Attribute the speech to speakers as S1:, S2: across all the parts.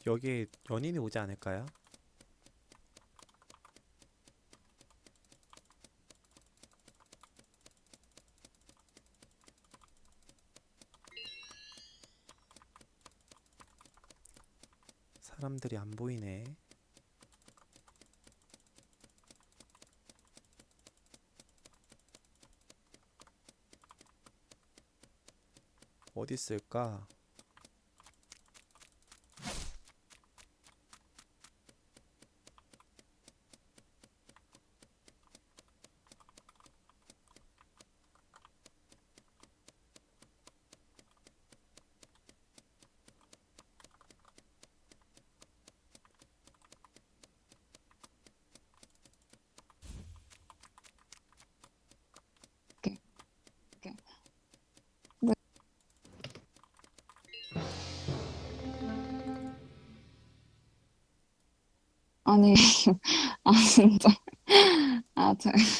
S1: 여기 연인이 오지 않을까요? 사람들이 안 보이네. 어디 있을까?
S2: 오케이, 오케이. 네. 아니, 아, 진짜. 아,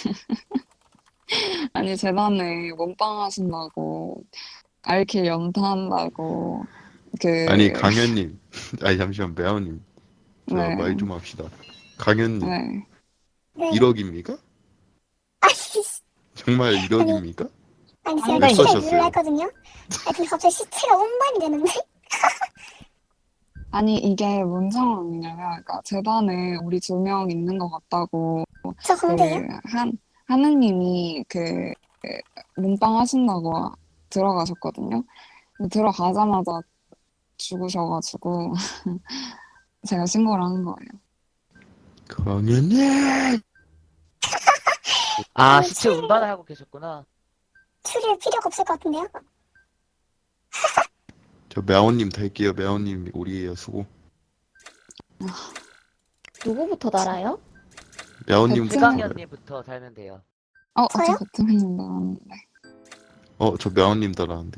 S2: 아니, 재단에 몸빵 하신다고, 알킬 연타한다고,
S3: 아니
S2: 그,
S3: 강현님, 아니 잠시만 매화님, 저 말
S2: 네,
S3: 좀 합시다. 강현님,
S2: 네.
S4: 네.
S3: 1억입니까?
S4: 아니,
S3: 정말
S4: 아니,
S3: 1억입니까?
S4: 아니, 제가
S3: 왜
S4: 키를
S2: 안돼.
S4: 누르려
S3: 써셨어요?
S4: 했거든요? 아니, 근데 갑자기 시체가 운반이 되는데?
S2: 아니, 이게 뭔 상황이냐면, 그러니까 재단에 우리 2명 있는 것 같다고,
S4: 저
S2: 그,
S4: 공대요?
S2: 하느님이 몸빵 하신다고 들어가셨거든요. 근데 들어가자마자 죽으셔가지고, 제가 신고를 한 거예요.
S3: 강현님!
S5: 아,
S4: 아니,
S5: 시체 운반을 하고 계셨구나.
S4: 추릴 필요가 없을 것 같은데요?
S3: 저 매화님 탈게요. 매화님 우리예요. 수고.
S6: 누구부터 달아요?
S3: 매화님부터
S2: 배트맨,
S3: 달아요.
S5: 최강현님부터 달면 돼요.
S2: 저
S4: 저요?
S2: 배트맨인 줄 알았는데.
S3: 저 매화님 달았는데.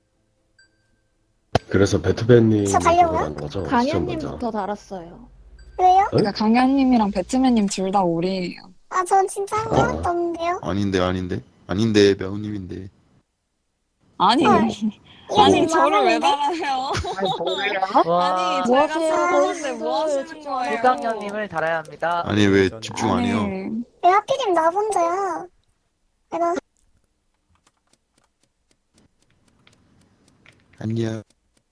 S7: 그래서
S4: 저
S7: 배트맨님이
S4: 달려고요?
S7: 그거라는 거죠? 시청 먼저.
S6: 강현님부터 달았어요.
S4: 왜요?
S7: 응?
S2: 그러니까 강현님이랑 배트맨님 둘 다 오리예요.
S4: 아, 전 진짜 한
S7: 아,
S4: 개밖에 없는데요?
S3: 아닌데 매화님인데.
S2: 아니,
S4: 헐,
S2: 아니,
S4: 이러지
S2: 저를 왜
S4: 마셨는데?
S2: 달아요?
S5: 아니, 뭐예요?
S2: 아니,
S5: 와,
S6: 뭐
S2: 제가
S6: 하세요?
S2: 찾았는데 뭐
S6: 거위분들
S2: 하시는
S6: 집중 안 해요.
S2: 거예요?
S5: 최강현님을 달아야 합니다.
S3: 아니 왜
S1: 레전드.
S3: 집중 안 해요?
S2: 아니,
S4: 왜 하필이면 나 혼자야? 내가,
S3: 안녕.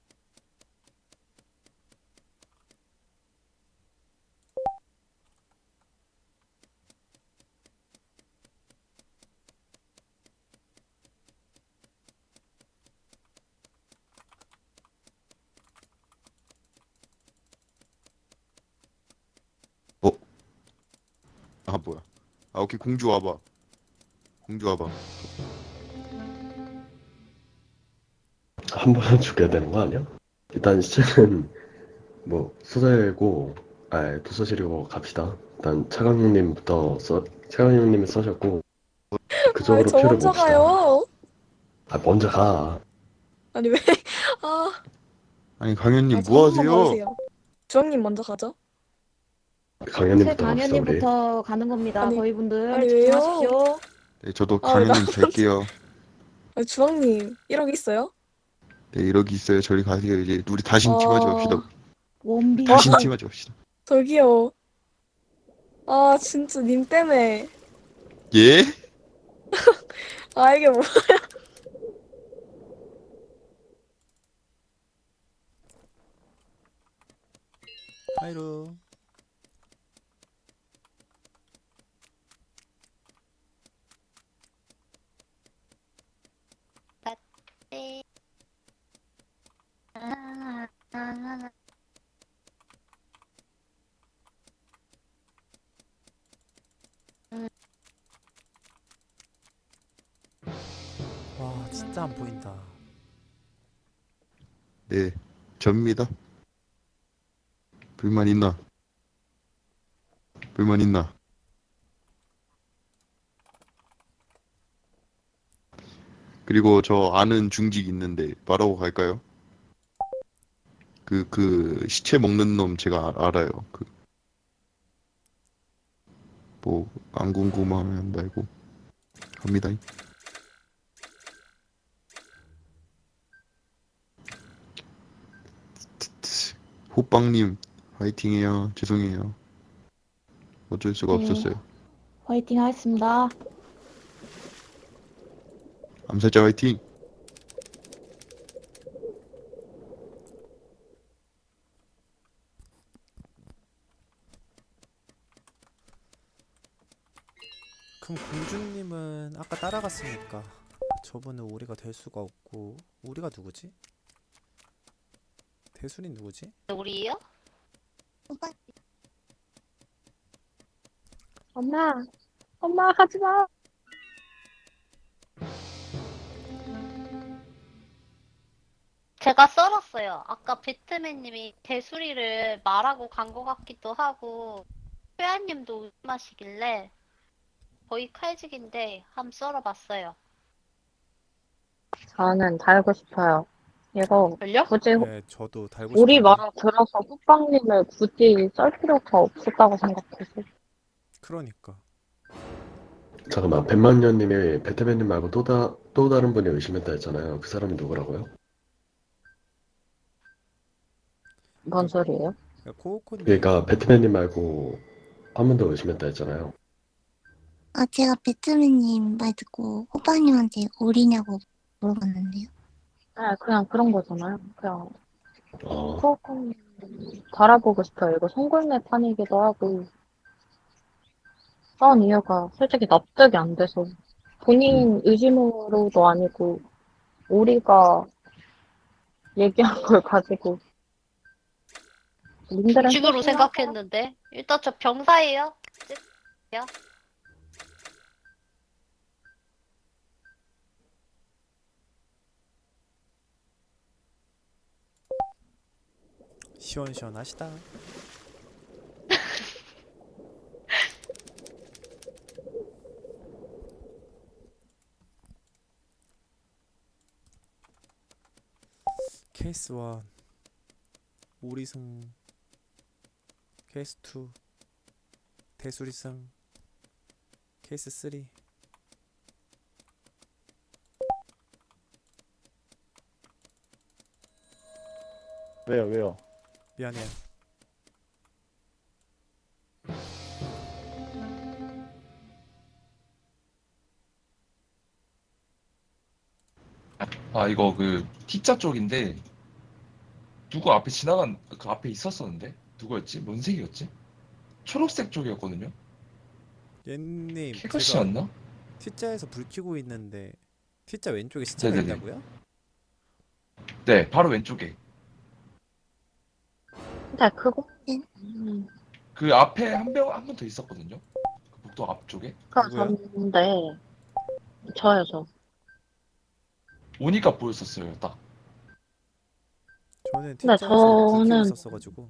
S3: 어? 아 뭐야? 아 오케이 공주 와봐. 공주 와봐.
S7: 한 번은 죽여야 되는 거 아니야? 일단 시체는 뭐 수사고, 도서실이고 갑시다. 일단 차강님이 써셨고
S8: 아,
S7: 그쪽으로
S8: 저
S7: 표를
S8: 혼자
S7: 봅시다.
S8: 가요.
S7: 아, 먼저 가.
S8: 아니, 왜? 아,
S3: 아니 강현님
S8: 저
S3: 뭐
S8: 한 번만
S3: 하세요?
S8: 봐주세요. 주황님 먼저 가죠.
S7: 강현님부터 갑시다 우리.
S6: 최강현님부터 가는 겁니다.
S8: 아니,
S6: 거위분들
S8: 아니, 왜요?
S6: 집중하십시오.
S3: 네, 저도
S8: 아, 왜 나
S3: 강현님
S8: 혼자.
S3: 될게요.
S8: 아, 주황님, 1억 있어요?
S3: 네, 이러기 있어요. 저리 가세요. 이제 우리 다신 팀하지 맙시다.
S8: 아,
S6: 원빈.
S8: 와,
S3: 다신 팀하지 맙시다.
S8: 저기요. 아, 진짜, 님 때문에.
S3: 예?
S8: 아, 이게 뭐.
S1: 하이루. 와, 진짜 안 보인다.
S3: 네, 접니다. 불만 있나? 불만 있나? 그리고 저 아는 중직 있는데 말하고 갈까요? 그 시체 먹는 놈 제가 알아요. 그 뭐 안 궁금하면 말고 갑니다. 호빵님 화이팅해요. 죄송해요. 어쩔 수가
S6: 네.
S3: 없었어요.
S6: 화이팅 하겠습니다.
S3: 암살자 화이팅.
S1: 그럼 공주님은 아까 따라갔으니까 저분은 우리가 될 수가 없고 우리가 누구지? 대순이 누구지?
S4: 우리요?
S6: 엄마, 엄마 하지 마.
S9: 제가 썰었어요. 아까 배트맨님이 대수리를 말하고 간 것 같기도 하고, 회원님도 의심하시길래 거의 칼직인데 한번 썰어봤어요.
S6: 저는 달고 싶어요. 이거
S9: 걸려?
S6: 굳이
S1: 네, 저도 달고
S6: 우리
S1: 싶은데.
S6: 말 들어서 호빵님을 굳이 썰 필요가 없었다고 생각해서.
S1: 그러니까
S7: 잠깐만, 백만년님이 배트맨님 말고 또 다른 분이 의심했다 했잖아요. 그 사람이 누구라고요?
S6: 뭔 소리예요?
S1: 코코님
S7: 그러니까 배트맨님 말고 한 분 더 의심했다 했잖아요.
S4: 아, 제가 배트맨님 말 듣고 호빵님한테 오리냐고 물어봤는데요.
S6: 네, 그냥 그런 거잖아요. 그냥
S7: 어,
S6: 조금 달아보고 싶어요. 이거 송골매 판이기도 하고 싸운 이유가 솔직히 납득이 안 돼서 본인 의심으로도 아니고 우리가 얘기한 걸 가지고 님들은
S9: 식으로
S6: 소심하세요?
S9: 생각했는데. 일단 저 병사예요.
S1: 시원시원하시다. 케이스 1 오리승, 케이스 2 대수리승, 케이스 3
S10: 왜요?
S1: 미안해요.
S11: 아, 이거 그 T자 쪽인데 누구 앞에 지나간 그 앞에 있었었는데 누구였지? 뭔 색이었지? 초록색 쪽이었거든요.
S1: 옌님 제가
S11: 캐거씨였나?
S1: T자에서 불 켜고 있는데 T자 왼쪽에 시체가
S11: 네네네.
S1: 있다고요?
S11: 네, 바로 왼쪽에.
S6: 근데 그거
S11: 그 앞에 한 분 더 있었거든요. 그 복도 앞쪽에.
S1: 누구야?
S6: 졌는데 저요 저.
S11: 오니까 보였었어요, 딱.
S1: 저는
S6: 근데
S1: T자에서 불 켜고
S6: 저는
S1: 있었어가지고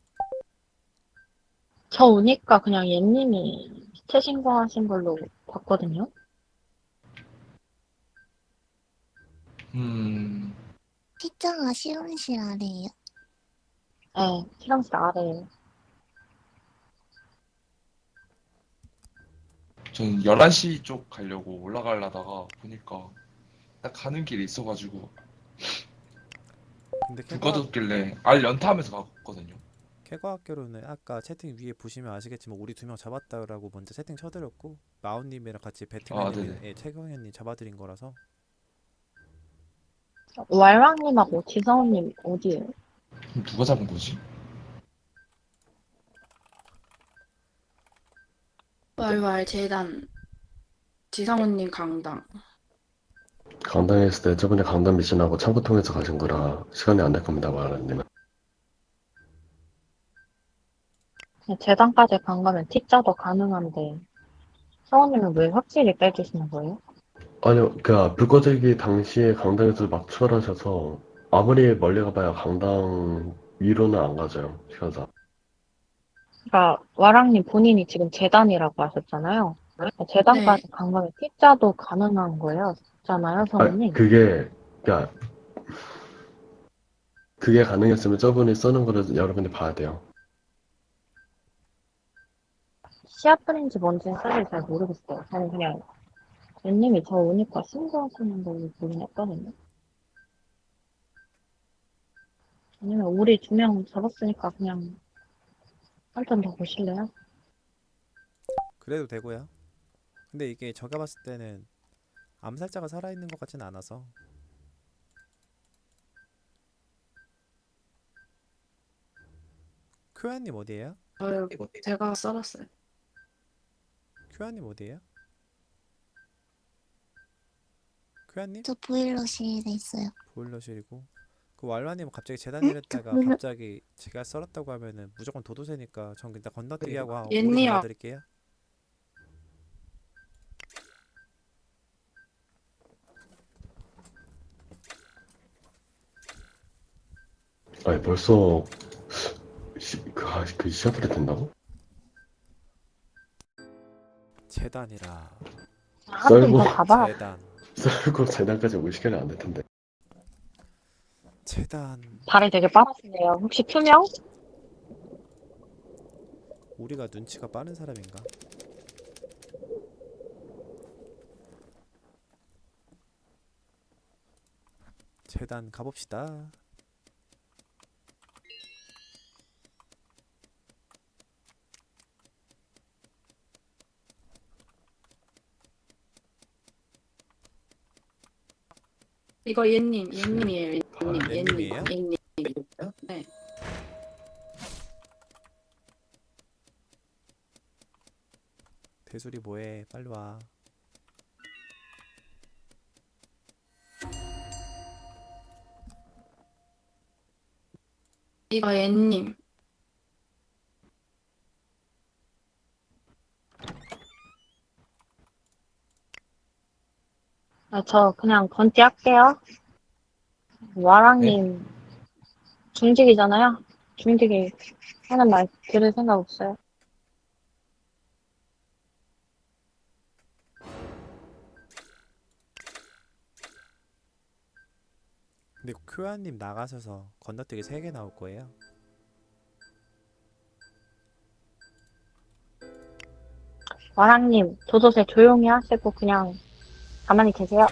S6: 저 오니까 그냥 옌님이 시체 신고하신 걸로 봤거든요.
S4: T자가 실험실 아래예요.
S6: 네, 실험실 아래에.
S11: 저는 11시 쪽 가려고 올라가려다가 보니까 딱 가는 길에 있어가지고
S1: 근데
S11: 불 꺼졌길래 알 연타하면서 갔거든요.
S1: 캐과학교로는 아까 채팅 위에 보시면 아시겠지만 우리 2명 잡았다라고 먼저 채팅 쳐드렸고 마운님이랑 같이 배트맨님이
S11: 네네.
S1: 최경현님 잡아드린 거라서
S6: 왈왕님하고 지성우님 어디에요?
S11: 그럼 누가 잡은 거지?
S12: 왈왈 재단 지상훈님 강당.
S7: 강당에 있을 때 저번에 강당 미신하고 창고 통해서 가신 거라 시간이 안 될 겁니다, 마라님은.
S6: 재단까지 간 거면 T자도 가능한데 성우님은 왜 확실히 빼주시는 거예요?
S7: 아니요, 불 꺼지기 당시에 강당에서 막 출발하셔서 아무리 멀리 가봐야 강당 위로는 안 가져요, 시간상.
S6: 그러니까 왈왕님 본인이 지금 재단이라고 하셨잖아요. 재단까지 간 거면 T자도 가능한 거예요, 잖아요, 성우님.
S7: 그게 가능했으면 저분이 써는 거를 여러분이 봐야 돼요.
S6: 시아프린지 뭔지는 사실 잘 모르겠어요. 저는 그냥 웬님이 저 오니까 신고하시는 걸로 보긴 했거든요. 아니면 우리 2명 잡았으니까 그냥 한 턴 더 보실래요?
S1: 그래도 되고요. 근데 이게 제가 봤을 때는 암살자가 살아있는 것 같지는 않아서. 큐아님 어디에요?
S12: 제가 썰었어요.
S1: 큐아님 어디에요? 큐아님?
S4: 저 보일러실에 있어요.
S1: 보일러실이고. 그 왈라님은 갑자기 재단이랬다가 갑자기 제가 썰었다고 하면은 무조건 도도새니까 전 일단 건너뛰기 하고 오리
S12: 옌니야.
S1: 잡아드릴게요.
S7: 아니, 벌써, 그 시합이 된다고?
S1: 재단이라.
S6: 한 턴 더
S7: 썰고,
S6: 가봐.
S1: 재단.
S7: 썰고 재단까지 50개는 안 될 텐데.
S1: 재단.
S6: 발이 되게 빠르시네요. 혹시 투명?
S1: 우리가 눈치가 빠른 사람인가? 재단 가봅시다.
S12: 이거 얘님이에요.
S1: 아, 옌님이에요?
S12: 얘님. 네.
S1: 대수리 뭐해? 빨리 와.
S12: 이거 얘님.
S6: 아, 저 그냥 건띠 할게요. 와랑님 중직이잖아요. 중직이 하는 말 들을 생각 없어요.
S1: 근데 큐아님 나가셔서 건너뛰기 3개 나올 거예요.
S6: 와랑님 도도새 조용히 하시고 그냥 가만히 계세요.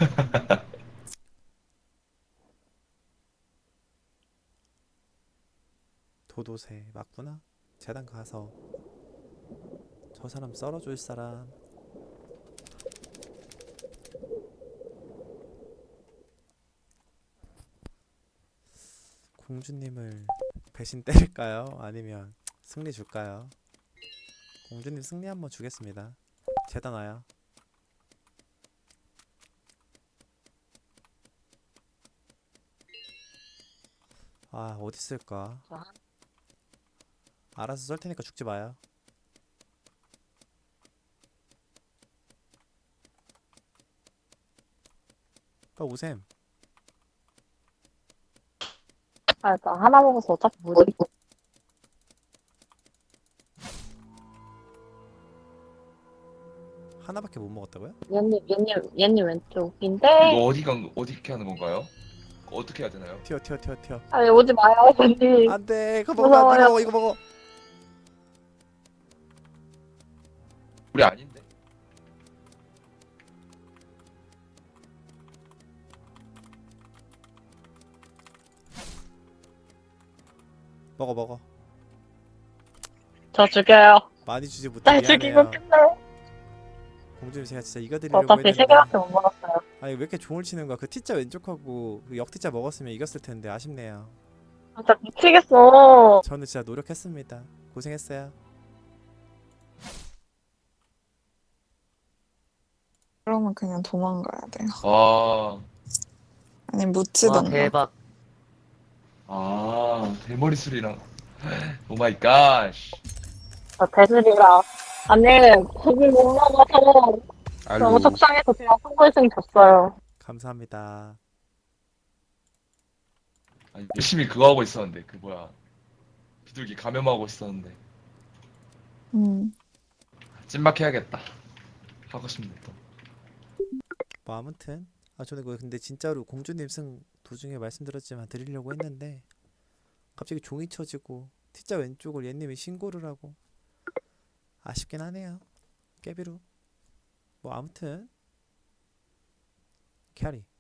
S1: 도도새 맞구나. 재단 가서 저 사람 썰어줄 사람. 공주님을 배신 때릴까요? 아니면 승리 줄까요? 공주님 승리 한번 주겠습니다. 재단 와요. 아 어디 있을까? 알아서 썰 테니까 죽지 마요. 빨리 오셈.
S6: 아, 나 하나 먹어서 어차피 못 이기고.
S1: 하나밖에 못 먹었다고요?
S6: 얘님 왼쪽인데.
S11: 이거 어떻게 하는 건가요? 어떻게 해야 되나요?
S1: 튀어 튀어 튀어 튀어.
S6: 아, 왜 오지 마요, 얘님.
S1: 안돼. 그거 먹으면 안 돼.
S6: 무서워요.
S1: 먹어 이거 먹어.
S11: 우리 아닌데?
S1: 먹어 먹어.
S6: 저 죽여요.
S1: 많이 주지 못해
S6: 날 죽이고
S1: 미안해요.
S6: 끝내.
S1: 공주님 제가 진짜
S6: 저
S1: 이겨드리려고
S6: 어차피
S1: 했는데
S6: 3개밖에 못 먹었어요.
S1: 아니 왜 이렇게 종을 치는 거야? 그 T자 왼쪽하고 그 역T자 먹었으면 이겼을 텐데 아쉽네요.
S6: 진짜 미치겠어.
S1: 저는 진짜 노력했습니다. 고생했어요.
S2: 그러면 그냥 도망가야 돼요.
S11: 아,
S2: 아니
S5: 와,
S2: 묻히던가.
S5: 대박.
S11: 대머리 술이랑. 오 마이 갓.
S6: 저 대술이라. 아니, 고기 못 먹어서 너무 속상해서 그냥 선물승 줬어요.
S1: 감사합니다.
S11: 아니, 열심히 그거 하고 있었는데 그 뭐야 비둘기 감염하고 있었는데 찐막 해야겠다 하고 싶네 또.
S1: 뭐 아무튼 저는 그 근데 진짜로 공주님 승 도중에 말씀드렸지만 드리려고 했는데 갑자기 종이 쳐지고 T자 왼쪽을 얘님이 신고를 하고 아쉽긴 하네요. 깨비루. 뭐 아무튼 캐리.